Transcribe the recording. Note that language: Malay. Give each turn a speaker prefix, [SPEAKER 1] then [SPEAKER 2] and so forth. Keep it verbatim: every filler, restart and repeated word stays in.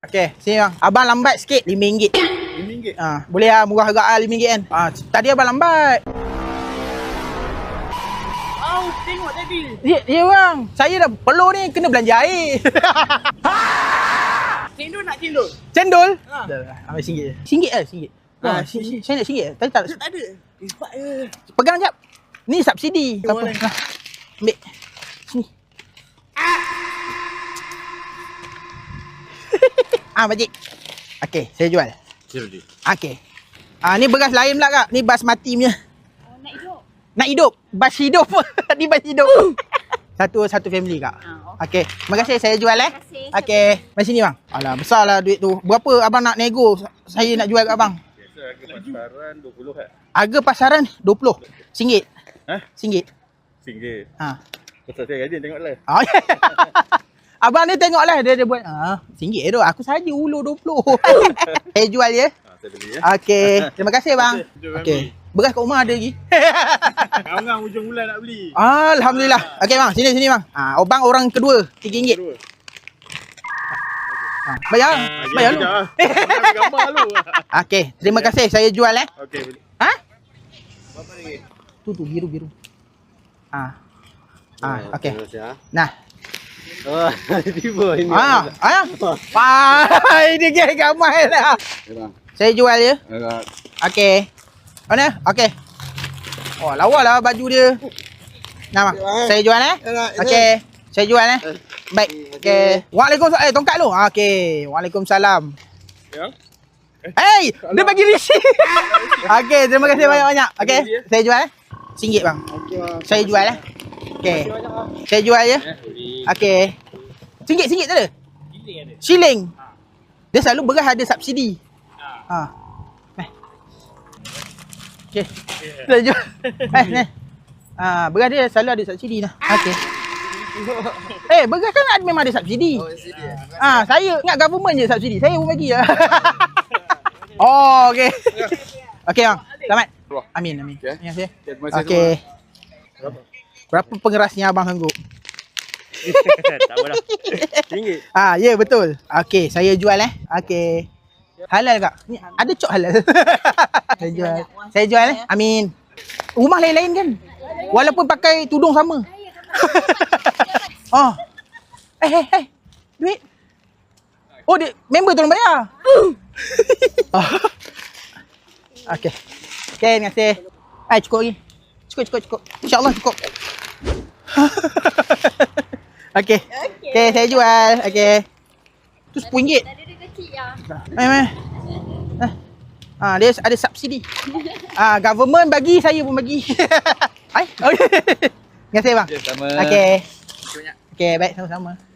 [SPEAKER 1] Okey, sini bang. Abang lambat sikit lima ringgit.
[SPEAKER 2] lima ringgit?
[SPEAKER 1] Ha, boleh lah murah agak ah lima ringgit kan. Ha, tadi abang lambat.
[SPEAKER 2] Oh, tengok tadi.
[SPEAKER 1] Ya, ya bang. Saya dah peluh ni kena belanja air.
[SPEAKER 2] Cendol nak cendol?
[SPEAKER 1] Cendol?
[SPEAKER 2] Ha.
[SPEAKER 1] Dah, dah. Ambil singgit je. Singgit lah, singgit.
[SPEAKER 2] Ha,
[SPEAKER 1] Ha, si, si, saya nak singgit. Tadi tak.
[SPEAKER 2] Tak ada. Cepat je.
[SPEAKER 1] Pegang jap. Ni subsidi. Tak apa.
[SPEAKER 2] Boleh.
[SPEAKER 1] Nah. Ambil. Sini. Ah, pakcik. Okey, saya jual.
[SPEAKER 2] Jual dia.
[SPEAKER 1] Okey. Ah, ni beras lain pula kak. Ni basmati punya.
[SPEAKER 3] Oh, nak hidup.
[SPEAKER 1] Nak hidup. Bas hidup. Ni bas hidup. Satu satu family kak.
[SPEAKER 3] Ah,
[SPEAKER 1] Okey. Terima kasih saya jual eh.
[SPEAKER 3] Terima kasih.
[SPEAKER 1] Okey. Mari sini bang. Alah, besarlah duit tu. Berapa abang nak nego? Saya nak jual kat abang.
[SPEAKER 4] Biasa harga pasaran dua puluh kan?
[SPEAKER 1] Harga pasaran dua puluh. Singgit.
[SPEAKER 4] Ha?
[SPEAKER 1] Singgit.
[SPEAKER 4] Singgit.
[SPEAKER 1] Ha.
[SPEAKER 4] Pasal saya rajin tengok lah.
[SPEAKER 1] Oh, abang ni tengoklah dia dia buat. Ha, singgit tu. Aku saja ulur dua puluh. Saya jual ya.
[SPEAKER 4] Ha, saya beli ya.
[SPEAKER 1] Okey. Terima kasih bang.
[SPEAKER 4] Jom,
[SPEAKER 1] Okey. Beras kat rumah ada lagi.
[SPEAKER 4] Ngam-ngam hujung bulan nak beli.
[SPEAKER 1] Alhamdulillah. Okey bang, sini sini bang. Ah, ha, abang orang kedua tiga ringgit.
[SPEAKER 4] Dua.
[SPEAKER 1] Ha, bayar. Bayar lu.
[SPEAKER 4] Ambil gambar lu.
[SPEAKER 1] Okey, terima kasih. Saya jual eh.
[SPEAKER 4] Okey, beli.
[SPEAKER 1] Ha?
[SPEAKER 4] Berapa ringgit?
[SPEAKER 1] Tu tu biru biru. Ah. Ah, okey.
[SPEAKER 4] Terima kasih, ha.
[SPEAKER 1] Nah.
[SPEAKER 4] Oh, tiba ini.
[SPEAKER 1] Ah, ah. Wah, ini gay gamai lah.
[SPEAKER 4] Ya, bang.
[SPEAKER 1] Saya jual ya.
[SPEAKER 4] Agak.
[SPEAKER 1] Okey. Mana? Okey. Oh, lawa lah baju dia. Nah, bang. Saya jual eh. Okey. Saya jual eh. Baik. Okey. Waalaikumsalam. Eh, tongkat lu. Okey. Waalaikumsalam.
[SPEAKER 4] Ya.
[SPEAKER 1] Hey, dia bagi receipt. Okey, terima kasih banyak-banyak. Okey. Saya jual eh. Singgit bang.
[SPEAKER 4] Okey, bang.
[SPEAKER 1] Saya jual eh. Okey. Saya jual ya. Okey. Singgit, singgit tak ada?
[SPEAKER 2] Giling ada.
[SPEAKER 1] Shilling. Dia selalu beras ada subsidi. Ha. Eh. Okey. Saya jual. Eh, ni. Ah, beras dia selalu ada subsidi lah. Okey. Eh, beras kan ada, memang ada subsidi.
[SPEAKER 4] Oh, sini.
[SPEAKER 1] Ah, saya ingat government je subsidi. Saya pun bagi lah. Oh, okey. Okey bang. Selamat. Amin, amin.
[SPEAKER 4] Okey.
[SPEAKER 1] Terima kasih.
[SPEAKER 4] Terima kasih
[SPEAKER 1] Okey.
[SPEAKER 4] Berapa?
[SPEAKER 1] Berapa pengerasnya abang sanggup?
[SPEAKER 4] Tak apalah. Ringgit.
[SPEAKER 1] Ah, ya yeah, betul. Okey, saya jual eh. Okey. Halal kak? Ni ada cok halal. Saya jual. Saya jual eh. Amin. Rumah lain-lain kan? Walaupun pakai tudung sama. Oh. Eh, eh, eh. Duit. Oh, dia member tolong bayar. Oh. Okey. Okey, terima kasih. Ah, cukup lagi. Cukup, cukup, cukup. InsyaAllah cukup. Okey. Okey, saya jual. Okey. Tu sepuluh ringgit.
[SPEAKER 3] Ada dia kecil ya.
[SPEAKER 1] Meh, meh. Ah, dia ada subsidi. Ah, government bagi, saya pun bagi. Hai. Okey. Terima kasih bang.
[SPEAKER 4] Okey, sama.
[SPEAKER 1] Okey. Okey, baik sama-sama.